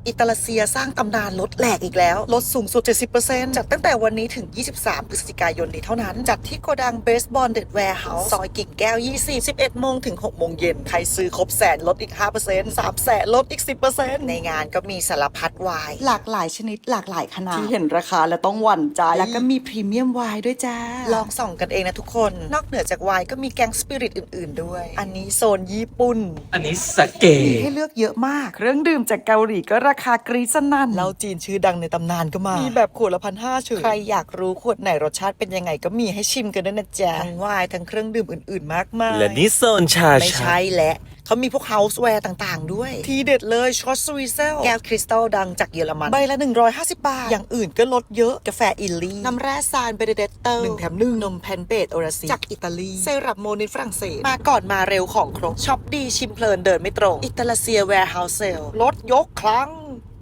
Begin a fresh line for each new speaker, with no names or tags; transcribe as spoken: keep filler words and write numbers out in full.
อิตาลีเซียสร้างตำนานลดแหลกอีกแล้วลดสูงสุด เจ็ดสิบเปอร์เซ็นต์ จัดตั้งแต่วันนี้ถึง ยี่สิบสาม พฤศจิกายนนี้เท่านั้น จัดที่โกดังเบสบอลเด็ดแวร์เฮาส์ซอยกิ่งแก้ว ยี่สิบ สิบเอ็ดโมงถึง หกโมงเย็นใครซื้อครบแสนลดอีก ห้าเปอร์เซ็นต์ สามแสนลดอีก สิบเปอร์เซ็นต์ ในงานก็มีสารพัดไวน์หลากหลายชนิดหลากหลายขนาดที่เห็นราคาแล้วต้องหวั่นใจแล้วก็มีพรีเมียมไวน์ด้วยจ้าลองส่องกันเองนะทุกคนนอกเหนือจากไวน์ก็มีแกงสปิริตอื่นๆด้วยอันนี้โซนญี่ปุ่น
อันนี้สเก
มีให้เลือกเยอะมากเครื่องดื่มจากเกาหลีก็ราคากรี๊ดสนั่นเหล้าจีนชื่อดังในตำนานก็มามีแบบขวดละพันห้าเฉยใครอยากรู้ขวดไหนรสชาติเป็นยังไงก็มีให้ชิมกันด้วยนะจ๊ะทั้งไวน์ทั้งเครื่องดื่มอื่นๆมากมาย
และนี่โซนชา
ไม่
ชั
ใช่
ก
แหละเขามีพวกเฮาส์แวร์ต่างๆด้วยทีเด็ดเลยช็อตสวีเซลแก้วคริสตัลดังจากเยอรมันใบละหนึ่งร้อยห้าสิบบาทอย่างอื่นก็ลดเยอะกาแฟอิลลี่น้ำแร่ซานเบเดเดตเตอร์หนึ่งแถมหนึ่งนมแพนเบตโอราซิจากอิตาลีเซรั่มโมนินฝรั่งเศสมาก่อนมาเร็วของครบช็อปดีชิมเพลินเดินไม่ตรงอิตาลีเซียแวร์เฮาส์เซลลดยกครั้ง